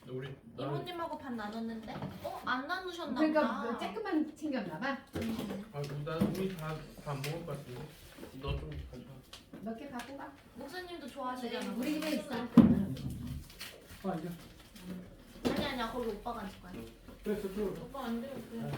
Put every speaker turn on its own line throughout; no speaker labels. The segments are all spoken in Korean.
우리
이모님하고 반 나눴는데? 안 나누셨나
그러니까
보다.
조금만 챙겼나 봐.
난 우리 다 안 먹을 것 같은데. 너 좀 가져와.
몇 개 갖고 가.
목사님도 좋아하시잖아.
우리 집에 있어.
앉아.
아니야 거기 오빠가 앉을 거야.
그래 저쪽으로.
오빠 앉으면 돼.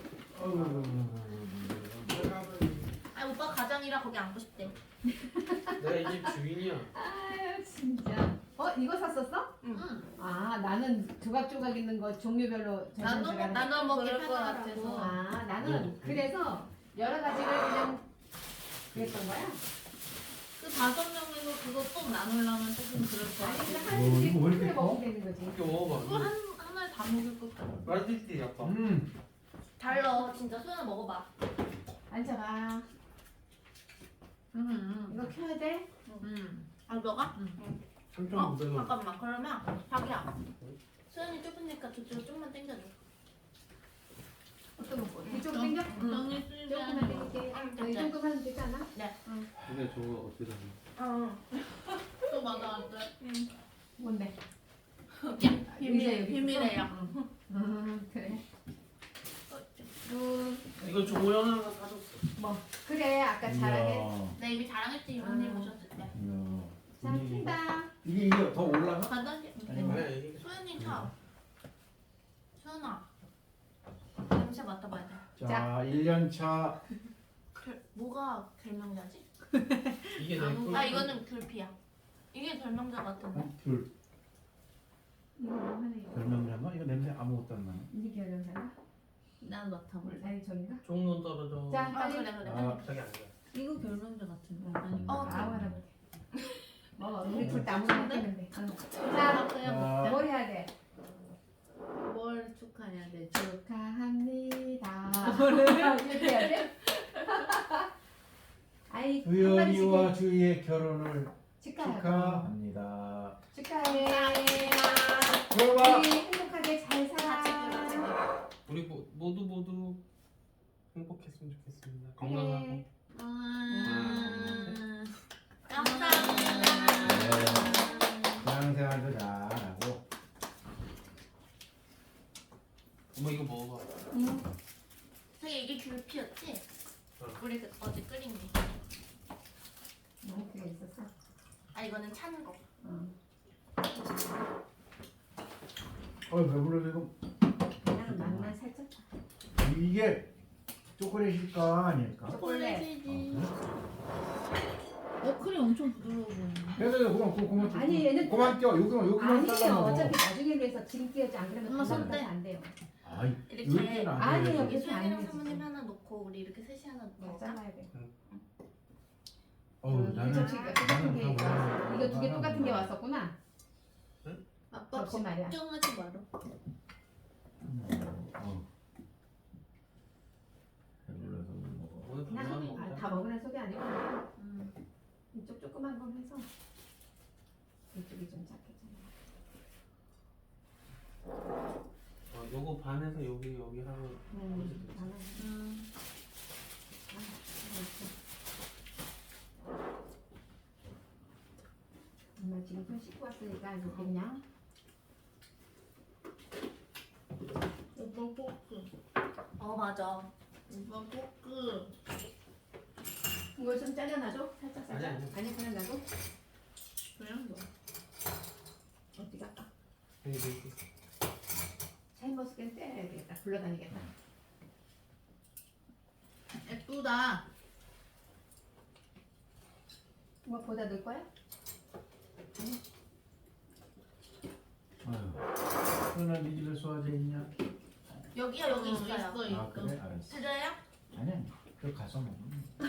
아니 오빠 가장이라 거기 앉고 싶대.
내가 이 집 주인이야.
아유 진짜. 이거 샀었어?
응.
아 나는 조각조각 있는 거 종류별로
나눠 먹기
그럴 것
편하라고.
아 나는 그래서 여러 가지를 그냥 그랬던 거야.
그 5명에서 그거 꼭 나누려면 조금 그럴 것
아니
같아.
그냥 한 입씩
이거 왜 이렇게
그렇게
커?
먹으면 되는 거지.
이렇게 먹어봐.
그거 하나에 다 먹을 것 같아.
맛있지 약간.
달러 진짜 소연아 먹어봐.
앉아봐. 이거 켜야 돼?
아 너가?
3,900원.
잠깐만 그러면 자기야. 소연이 좁으니까 저쪽으로 좀만 당겨줘.
어떤 거? 이쪽으로 당겨?
정리 쓰지
조금만
않아.
당길게.
응,
이 정도 하면 되지 않아?
근데 저거 어떻게 하냐?
또 맞아왔대.
뭔데?
비밀이에요.
그래.
이거 조연아가 사줬어.
그래 아까 잘하게.
나 이미 자랑했지 이모님 오셨을 때.
자 킨다.
이게 더 올라가?
간단히.
왜 이게
소연이 차. 소연아. 냄새 맡아봐야 돼.
자 1년차.
뭐가 결명자지?
이게 내
아 이거는 귤피야. 이게 결명자 같은데.
귤.
이거 뭐 하네.
별명이란가? 이거 냄새 아무것도 안 나네.
이게 결정사야?
난 맡아볼래.
아니 저긴가?
종론 떨어져.
자
아
빨리.
그래 그래.
아,
저기 앉아.
이거 결명자 같은데. 아니.
아무거나 볼게. 우리 둘 다 아무거나 했는데. 자
아 그냥
자,
뭘 해야 돼?
뭘 축하해야 되지?
축하합니다. 이렇게 해야 돼? 아이 한
주연이와
마디씩
주희의 결혼을
축하하고
축하합니다.
축하해.
들어봐.
우리 행복하게 잘 살아.
우리 모두 행복했으면 좋겠습니다. 건강하고.
그래.
감사합니다.
신앙생활도 잘하고.
엄마 이거 먹어봐.
되게 이게 귤피였지?
어.
우리 어제 끓인 게.
그게 있었어.
아 이거는 찬 거.
배불러서 이거
그냥 맛만 살짝.
이게 초콜릿일까 아닐까?
초콜릿이지. 크림 엄청 부드러워 보이네.
그래서 그만
아니, 얘는
그만 껴 여기만
아니에요.
잘라 먹어.
어차피 나중에 위해서 지금 끼우지 안 그러면
엄마 손
손
떼.
안 돼요.
아이
이렇게
이렇게는 안
아니에요.
돼요.
이렇게 안
소연이랑
되지.
사모님 하나 놓고 우리 이렇게 셋이 하나
다
먹을까?
잘라야 돼.
나는
접시가 똑같은 게
나는 다
있어. 이거 두 개
나는
똑같은 게
몰라.
왔었구나.
아빠
접시 말이야.
걱정하지 마라.
배불러서 못 먹어.
오늘
그냥
밥만 먹자.
다 먹으란 소리 아니고 이쪽 조그만 거 해서 이쪽이 좀 작겠잖아.
요거 반에서 여기 하면
나는 엄마 지금 손 씻고 왔으니까 이거 그냥
오빠 포크.
맞아.
오빠 포크.
이걸 좀 잘라놔줘. 살짝 살짝.
아니.
그냥 놔도.
그냥 너.
어디 갈까?
여기 이렇게.
샤인머스켓 떼야겠다. 굴러다니겠다.
예쁘다.
뭐 보다 넣을 거야?
아유. 너네 네 집에 소화제 있냐?
여기요 여기 있어요.
아 그래 알았어.
드려요?
아니야. 그 가서 먹어.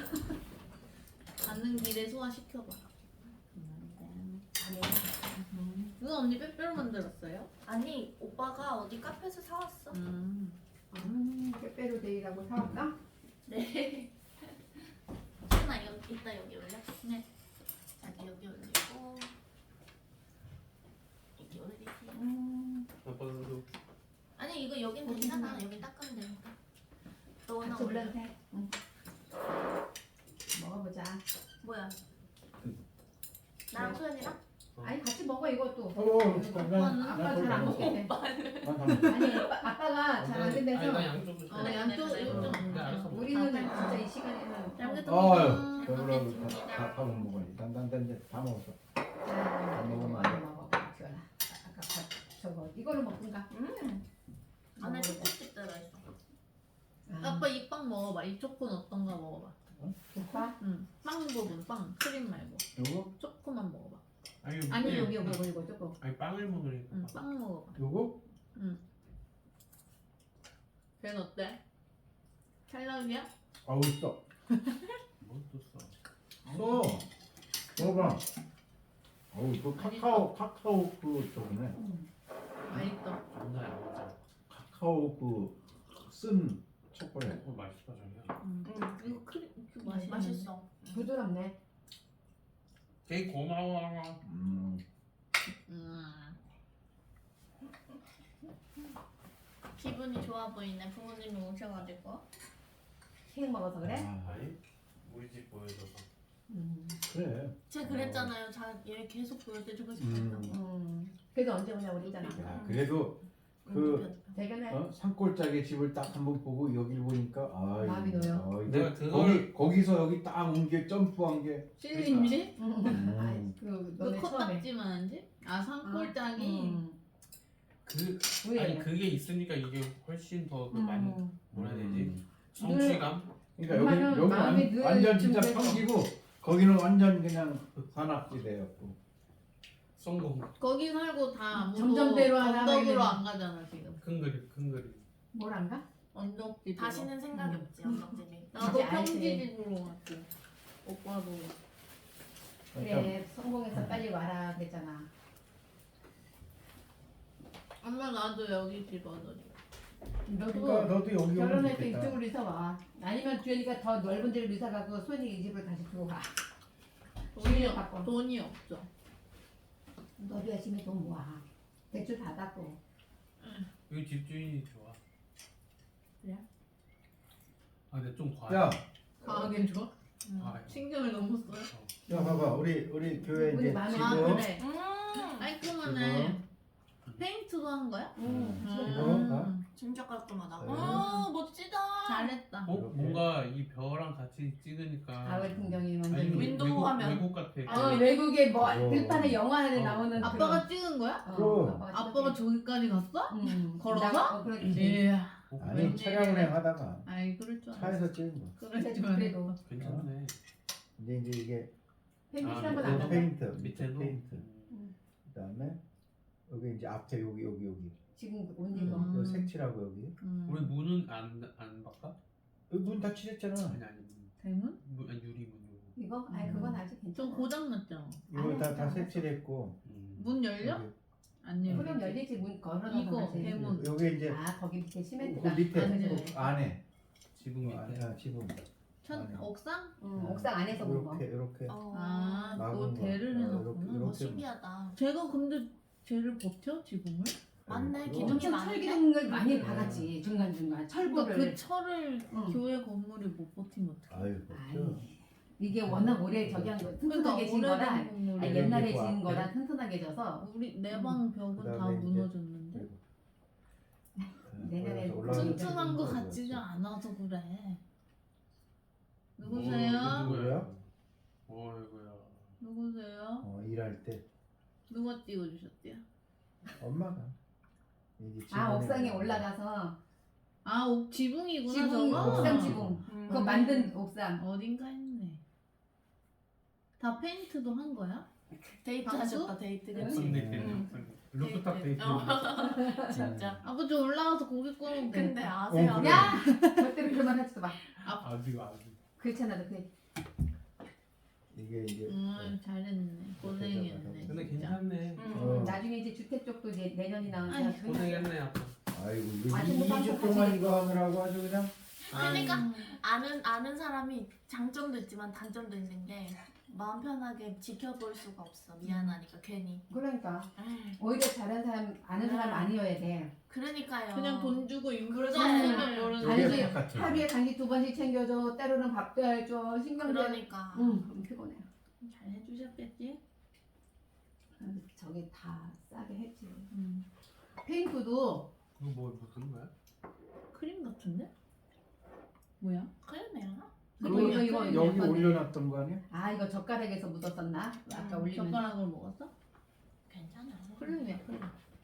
가는 길에 소화시켜봐.
아니.
누나 언니 빼빼로 만들었어요?
아니 오빠가 어디 카페에서 사왔어.
빼빼로 데이라고 사왔다?
네. 하나 여기 이따 여기 올려. 네. 자기 여기 올리고 여기 올리고.
아빠도
아니 이거 여긴 괜찮아. 여기 닦으면 되니까. 너 하나
같이
올려.
올려도 돼. 먹어보자.
뭐야? 나랑 소연이랑?
아니 같이 먹어. 먹어 이것도.
난
아빠 잘 안 먹겠대. 아니 아빠가 잘 안
아니 나
된대서.
양쪽을
어, 양쪽
그래,
이쪽.
그래.
네, 알았어.
우리는 진짜 이 시간에는.
잘
아유,
먹겠습니다.
배불러고 다 먹어야지. 단단단 이제 다 먹었어.
안
먹으면
많이 먹어. 지원아. 아까 저거 이거를 먹든가.
안에 초코칩 들어있어.
아빠 이 빵 먹어봐. 이 초코는 어떤가 먹어봐.
오빠?
응. 빵 부분, 빵. 크림 말고.
요거?
초코만 먹어봐.
아니
아니
네.
여기 이거 조금.
아니 빵을 먹으니까.
응, 빵 먹어봐.
요거?
걔는 어때? 찰떡이야?
아우 써.
뭐또 써?
써. 먹어봐. 어우 그 카카오 그 저거네.
맛있어.
존나 양호자.
카카오 그 쓴 초콜릿.
맛있다 자기야.
이거 크림 이거 맛있어.
맛있어.
부드럽네.
되게 고마워.
기분이 좋아 보이네. 부모님이 오셔가지고.
케이크 먹어서 그래?
아니 우리 집 보여줘서.
그래.
제가 그랬잖아요. 얘 계속 보여드리고 싶었다고.
그래도 언제 오냐고 그랬잖아.
야 그래도 그
대견해.
산골짜기 집을 딱 한번 보고 여기를 보니까 아
마음이 놓여.
내가 그걸-
거기서 여기 딱 온 게 점프한 게
찔린지?
아이
그
너네 처음에.
코딱지만 한지? 아 산골짜기?
그
왜?
아니 그게 있으니까 이게 훨씬 더그 많이 뭐라 해야 되지?
늘-
성취감?
그러니까
엄마는
여기
마음이 늘
완전 진짜
준비해서.
평지고 거기는 완전 그냥 산악지대였고
성공.
거기 살고 다 아무도
점점대로 하나
언덕으로
하면
안 가잖아 지금.
큰 그림.
뭘 안 가?
언덕집.
다시는 생각이 없지. 언덕집이.
나도
이제 알지.
평지집으로 갔고. 오빠도.
그러니까
그래 성공해서 빨리 와라 그랬잖아.
엄마 나도 여기 집 얻어줘.
너도
너도 여기 오면
결혼할 때
좋겠다.
이쪽으로 이사 와. 아니면 주연이가 더 넓은 데로 이사 가고 소연이 이 집을 다시 두고 가.
돈이
바꿔.
돈이 없어.
너도 열심히 돈 모아. 대출 받았고.
여기 집주인이 좋아.
그래?
아 근데 좀 과해.
야,
과하게 줘?
과해.
신경을 너무 써요.
야 봐봐 우리 교회
우리
이제
마음에
지금
아 그래.
음.
깔끔하네. 페인트도 한 거야?
지금
진짜 깔끔하다.
네.
멋지다.
잘했다.
어?
이렇게.
뭔가 이 벼랑 같이 찍으니까
가을 풍경이
아니,
완전히.
윈도우 화면.
외국 같아.
외국의 뭐
어.
들판에 영화 안에
어.
나오는
아빠가 찍은 거야?
그럼.
아빠가 저기까지 갔어? 걸어서?
그렇지.
이야.
아니
웬일이야.
차량 운행하다가
아이 그럴 줄 알았어.
차에서 찍은 거.
그럴 줄 알았어.
그래도
괜찮네.
이제 이게
펜트
아,
칠한
네.
건안
그
한다.
페인트
밑에도
페인트. 그다음에 여기 이제 앞에 여기
지금 옷 입어.
음.
요 색칠하고 여기
우리 문은 안 바꿔?
여기 문 다 칠했잖아.
아니
대문?
아니 유리문 요거.
이거? 아니 그건 아직 괜찮아.
좀 고장 났잖아.
이거 다
아니야.
색칠했고
문 열려?
여기,
안 열려.
그럼 열리지 문 걸어놔서
이거,
하지.
대문.
여기 이제
아 거기 밑에
그
시멘트가.
밑에
안
네.
그 안에
지붕 밑에.
지붕
천
안에.
옥상?
옥상 안에서 본 거.
이렇게
아,
막은
그거
거.
대를
어,
해놨구나.
이렇게.
신기하다.
제가 근데 쟤를 버텨 지붕을?
맞네,
그거.
기둥이
엄청
많은데?
철기둥을 많이 박았지 중간중간
그러니까
철거를.
그 철을
응.
교회 건물이 못 버티면 어떡해?
아유 그렇죠.
아니 이게 워낙 오래 저기 한 거 튼튼하게 진
그러니까
거라.
오래된 건물이
아니, 옛날에
그리고
진
앞에.
거라 튼튼하게 져서
우리 내 방 벽은 다
그다음에 이제
무너졌는데
내년에
올라가서
튼튼한 거
올라가서
같지가 않아서 그래.
뭐,
누구세요?
누구야?
어이구야.
누구세요?
일할 때
누가 띄워주셨대요?
엄마가 이게
아
지붕에
옥상에 올라가서
아 지붕이구나
지붕
저거?
옥상 지붕 그거 만든 옥상.
어딘가 했네. 다 페인트도 한 거야?
데이트
방수?
하셨다, 데이트.
응.
그치?
옥상 루프탑 데이트.
진짜.
아버지 올라가서 고기 구우면 돼.
근데 아세요?
그래.
야 절대로 그만 하지도 마.
아직
그렇잖아 너 그래.
이게 이제
잘했네. 고생했네.
근데
진짜.
괜찮네.
나중에 이제 주택 쪽도 이제 내년이
아이,
나오니까
고생했네 아빠.
아이고 이거
아직 못
2주 동안 이거 하느라고 아주 그냥
그러니까 아는 사람이 장점도 있지만 단점도 있는 게 마음 편하게 지켜볼 수가 없어. 미안하니까 괜히.
그러니까
에이,
오히려 다른 사람 아는 사람 아니어야 돼.
그러니까요.
그냥 돈 주고 인물
그래.
썼으면 모르는
아니,
이게
거지.
바깥에
하루에 간식 2번씩 챙겨줘. 때로는 밥도 해줘. 신경도.
그러니까.
응 피곤해.
잘 해주셨겠지?
저기 다 싸게 했지.
음.
페인트도
이거 뭐 무슨 거야?
크림 같은데? 뭐야?
크림이야?
이거
여기
예쁘네.
올려놨던 거 아니야?
아 이거 젓가락에서 묻었었나? 아까 올리면
젓가락을 먹었어?
괜찮아.
크림이야 크림.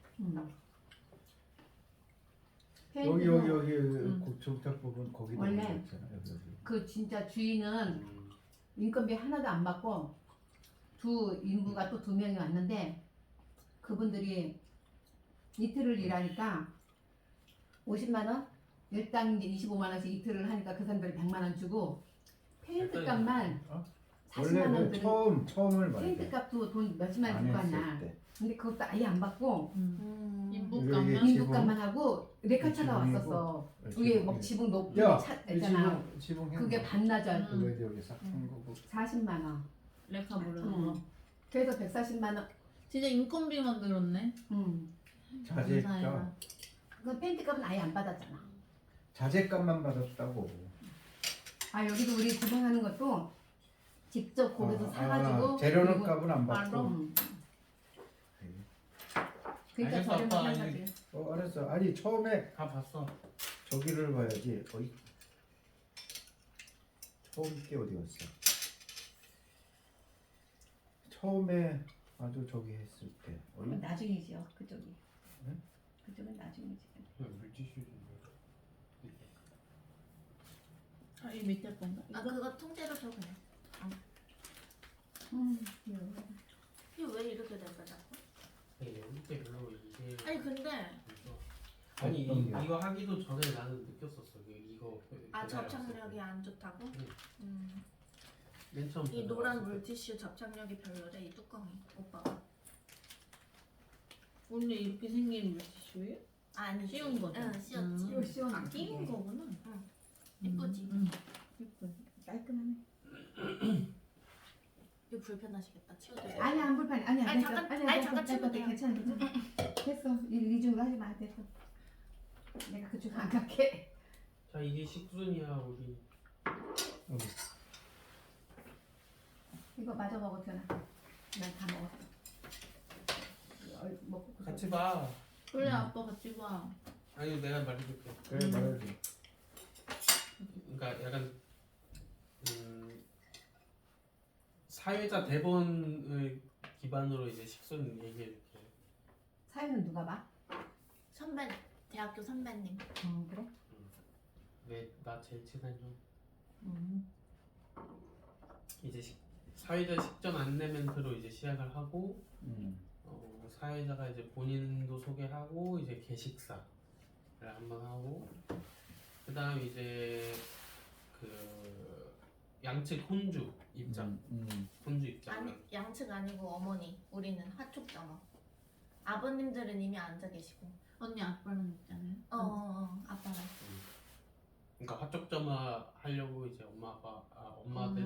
여기
페인트도
여기 그 종착 부분 거기다
원래
올렸잖아. 여기.
그 진짜 주인은
음.
인건비 하나도 안 받고 두 인부가 또 2명이 왔는데 그분들이 이틀을 일하니까 50만 원, 일당 이제 25만 원씩 이틀을 하니까 그 사람들이 100만 원 주고 페인트 값만
어?
40만
원래
원
그
들은
처음을 말해.
페인트 값도 돈 몇십만 원
안
줄 거
했을
아니야.
때.
근데 그것도 아예 안 받고
이게
인부감만.
인부 값만 하고 레카차가
지붕이고.
왔었어.
지붕.
위에 막 지붕 높이
야,
차
이
있잖아.
지붕 해.
그게 반나절
그거 이제 여기 싹한 거고.
40만 원.
레카 부르는 거.
그래서 140만 원.
진짜 인건비만 들었네.
자재값.
그 페인트 값은 아예 안 받았잖아.
자재값만 받았다고.
아 여기도 우리 지붕하는 것도 직접 거기서 사가지고
재료는
그리고
값은 안 받고.
바로?
그러니까
알겠어,
저렴한
아빠.
사지.
알았어. 아니 처음에
다 봤어.
저기를 봐야지. 어이. 처음 게 어디 갔어? 처음에 아주 저기 했을 때.
그건 나중이지요 그쪽이.
응?
그쪽은 나중이지.
물티슈 좀.
아, 이 밑에 건가?
아
이거?
그거 통째로 줘 그냥.
귀여워.
이게 왜 이렇게 된 거야?
네, 여기 때 별로 이게.
아니 근데
아니
어떤 게?
이거 하기도 전에 나는 느꼈었어. 이거.
아
배달
접착력이
왔을 때.
안 좋다고?
응. 맨 처음.
이
배달
노란
왔을 때.
물티슈 접착력이 별로래 이 뚜껑이 오빠가.
원래 이렇게 생긴 물티슈예요?
아니
씌운 거죠?
응 씌웠지.
이거 시원해.
아, 끼운 거구나.
이쁘지?
예쁘지.
깔끔하네.
이거 불편하시겠다 치워드려.
아니 안 불편해. 아니
아니, 잠깐, 아니, 잠깐 치면 돼요.
괜찮아 괜찮아. 됐어. 이중으로 하지 마. 됐어. 내가 그쪽 안 갈게.
자 이게 식순이야 우리.
어디?
이거 마저 먹어 튀어나. 난 다 먹었어. 먹고
같이 봐.
그래 아빠 같이 봐.
아니 내가 말해줄게.
그래 말해줘.
그러니까 약간 사회자 대본을 기반으로 이제 식순 얘기해줄게.
사연은 누가 봐?
선배 대학교 선배님.
그래?
왜 나 제일 친한 형. 이제 사회자 식전 안내 멘트로 이제 시작을 하고 사회자가 이제 본인도 소개하고 이제 개식사를 한번 하고 그다음 이제 그 양측 혼주 입장. 혼주 입장.
아니 양측 아니고 어머니. 우리는 하촉점어. 아버님들은 이미 앉아 계시고.
언니 아빠랑 있잖아요.
아빠랑.
그러니까 화촉점화 하려고 이제 엄마 아빠 엄마들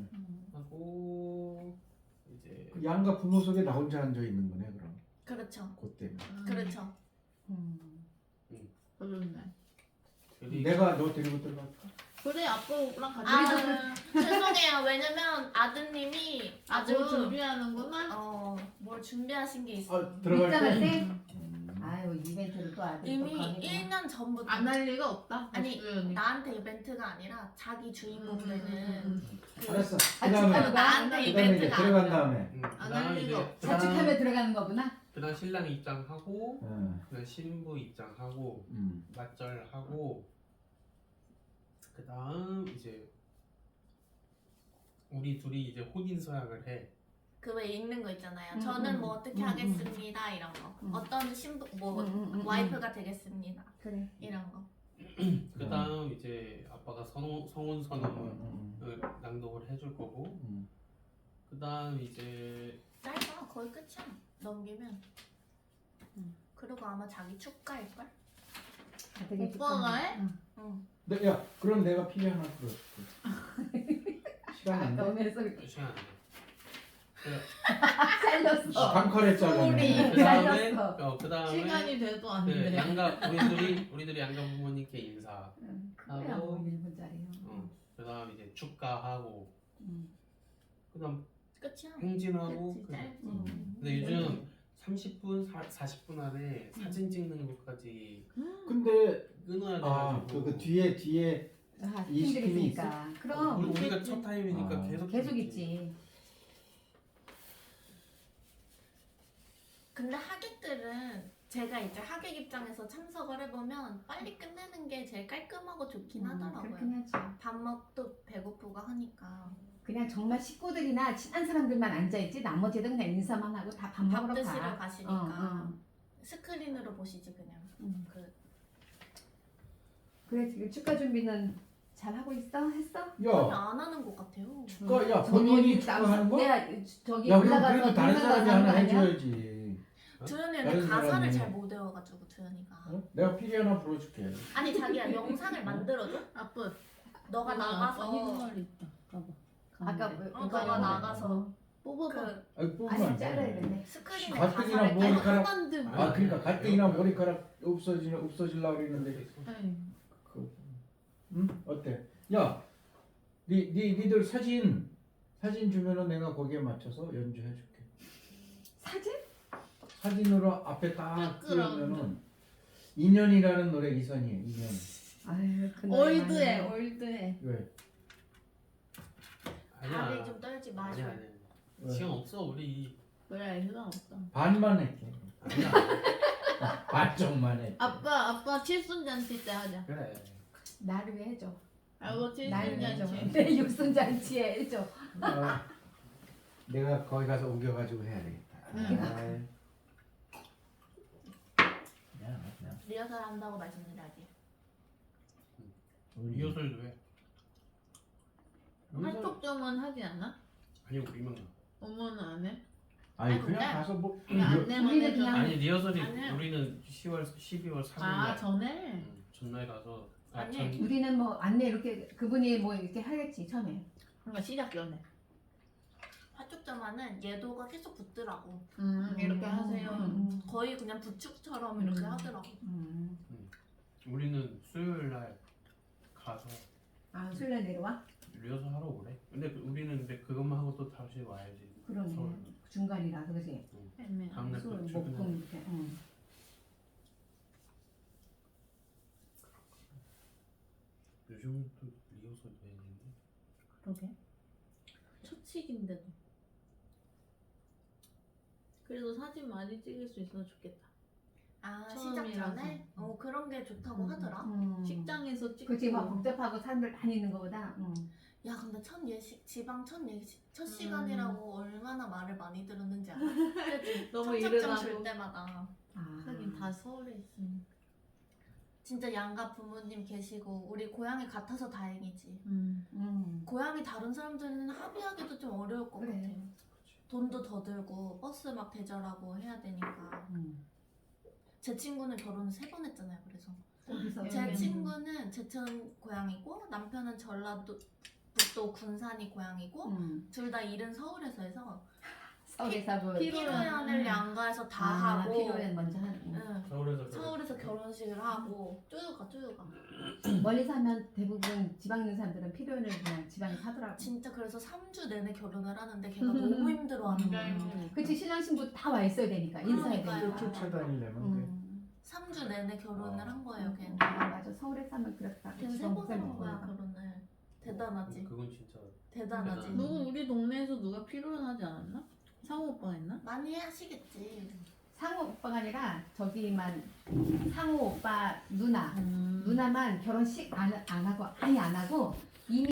하고 이제
그 양가 부모 속에 나 혼자 앉아 있는 거네 그럼.
그렇죠.
그때.
그렇죠.
그러네.
내가 너 데리고 들어갈까?
그래 아빠랑 같이.
아 죄송해요. 왜냐면 아드님이
아주
아주
준비하는구나.
뭘 준비하신 게 있어.
들어갈
입장할
때.
때? 아유 이벤트를 또 아들
이미
또 가게
1년 전부터
안 할 리가 없다.
아니,
박수연이.
나한테 이벤트가 아니라 자기 주인공 되는
알았어.
아,
그다음에
진짜로?
나한테
그다음에 이제
이벤트가
들어간
아니라
다음에.
안 할 리가
이제
없어.
자축하며 들어가는 거구나.
그다음 신랑 입장하고
응.
그다음 신부 입장하고 맞절하고 그다음 이제 우리 둘이 이제 혼인 서약을 해.
그 왜 읽는 거 있잖아요.
음,
저는 뭐 어떻게 하겠습니다 이런 거. 어떤 신부 뭐 와이프가 되겠습니다
그래.
이런 거.
그다음 이제 아빠가 성혼 선언을 낭독을 해줄 거고 그다음 이제
짧아 거의 끝이야. 넘기면. 그리고 아마 자기 축가일 걸.
오빠가 해?
응.
네, 야, 그럼 내가 피리 하나 들어줄게. 시간 안 돼?
너네 소리
시간 안 돼.
살렸어.
방컬했잖아.
우리.
그다음에
살렸어.
그다음에
시간이 돼도 안
그
돼.
양가 우리들이 양가 부모님께 인사.
그거야 뭐 1분짜리.
그다음 이제 축가하고 그다음
끝이야.
행진하고
그치,
그-
짧지.
근데 요즘 30분, 40분 안에 사진 찍는 것까지
근데
끊어야
아
돼가지고
그 뒤에
아,
이
팀들이
시킴이
있으니까. 그럼
우리가 첫 타임이니까
아,
계속 있지.
근데 하객들은 제가 이제 하객 입장에서 참석을 해보면 빨리 끝내는 게 제일 깔끔하고 좋긴 하더라고요.
그렇긴 하지.
밥 먹도 배고프고 하니까
그냥 정말 식구들이나 친한 사람들만 앉아있지 나머지는 그냥 인사만 하고 다 밥
밥
먹으러
드시러
가.
가시니까 스크린으로 보시지 그냥. 그
그래 지금 축가 준비는 잘 하고 있어? 했어?
아니,
야
안 하는 것 같아요.
축가 야 본인이 축구하는 거?
내가 저기
야 그럼
올라가서
그래도 다른
올라가서
사람이
하는
하나
거 아니야?
해줘야지.
두현이는
다른
가사를
사람이.
잘 못 외워가지고 두현이가.
어? 내가 피리 하나 불어줄게.
아니 자기야 영상을 만들어줘.
아빠.
너가 나가서
흰머리 있다. 봐봐.
아까
가운데.
너가 나가서
뽑아봐.
그
아니 뽑으면
아니
안
잘라야
돼.
되네.
스크린에
가뜩이나
가사를
뭐
빼.
머리카락-
하나인데 뭐.
아 그러니까 가뜩이나 머리카락 없어지려고 그랬는데
아이,
그, 응? 어때? 야, 니들 사진 주면은 내가 거기에 맞춰서 연주해줄게.
사진?
사진으로 앞에 딱
백그라운드.
띄우면은 인연이라는 노래 이선이에요. 인연.
아유 그 노래
올드해,
많이
올드해.
왜?
다리
아니야.
좀 떨지 마셔.
아니야.
왜?
시간 없어 우리.
그래, 시간 없어.
반만 할게.
아니야.
반쪽만 해.
아빠 칠순잔치 때 하자.
그래.
나를 위해 해줘.
알고
날 위해 줘.
칠순잔치.
내 육순잔치에 해줘.
어, 내가 거기 가서 우겨가지고 해야 되겠다.
응.
야,
리허설 한다고 말씀드려야지.
리허설도 해.
활동점은 하지 않아?
아니 우리만 가.
어머는 안 해?
아니
아니,
그냥
근데-
가서 뭐
그냥 안내만
우리는
해줘.
그냥-
아니 리허설이
아니에요.
우리는 10월 12월 3일
아,
날.
전에?
전날 가서
아니.
우리는 뭐 안내 이렇게 그분이 뭐 이렇게 하겠지 처음에.
그러니까 시작 전에.
화촉점화는 예도가 계속 붙더라고.
이렇게 하세요.
거의 그냥 부축처럼 이렇게 하더라고.
우리는 수요일 날 가서
아 술래 내려와?
리허설 하러 오래. 근데 우리는 근데 그것만 하고 또 다시 와야지.
그러네.
서울.
중간이라서 그지.
애매해.
다음날
술
또
목금
출근해.
이렇게.
요즘은 또 리허설 되는데.
그러게. 초칙인데도. 그래도 사진 많이 찍을 수 있어서 좋겠다.
아 시작
처음이라서.
전에? 그런 게 좋다고 하더라.
식장에서 찍고.
그치 막 복잡하고 사람들 많이 있는 거보다.
야 근데 첫 예식 지방 첫 시간이라고 얼마나 말을 많이 들었는지 알아? 그치?
너무
청첩장
이르다고.
줄 때마다
아.
하긴 다 서울에 있으니.
진짜 양가 부모님 계시고 우리 고향이 같아서 다행이지.
음.
고향이 다른 사람들은 합의하기도 좀 어려울 것
그래.
같아요. 돈도 더 들고 버스 막 대절하고 해야 되니까. 제 친구는 결혼을 3번 했잖아요. 그래서
어디서?
제 친구는 제천 고향이고 남편은 전라도 북도 군산이 고향이고 둘 다 일은 서울에서 해서
서울에서 그
피로연을 양가에서 다 하고
피로연 먼저 하는.
응.
서울에서
서울에서 결혼식을 하고 쪼여가
멀리서 하면 대부분 지방 있는 사람들은 피로연을 그냥 지방에서 하더라고.
진짜 그래서 3주 내내 결혼을 하는데 걔가 너무 힘들어하는 거예요.
그치 신랑 신부 다 와 있어야 되니까 인사해야
그러니까요.
되니까.
또 쫓아다니려면 돼.
3주 내내 결혼을 한 거예요 걔는.
아 맞아 서울에서 하면 그렇다.
걔는
지방
3번 한 거야
목소리가.
결혼을. 대단하지.
그건 진짜
대단하지.
누구 우리 동네에서 누가 피로연 하지 않았나? 상호 오빠 했나?
많이 하시겠지.
상호 오빠가 아니라 저기만 상호 오빠 누나
음.
누나만 결혼식 안 하고 아예 안 하고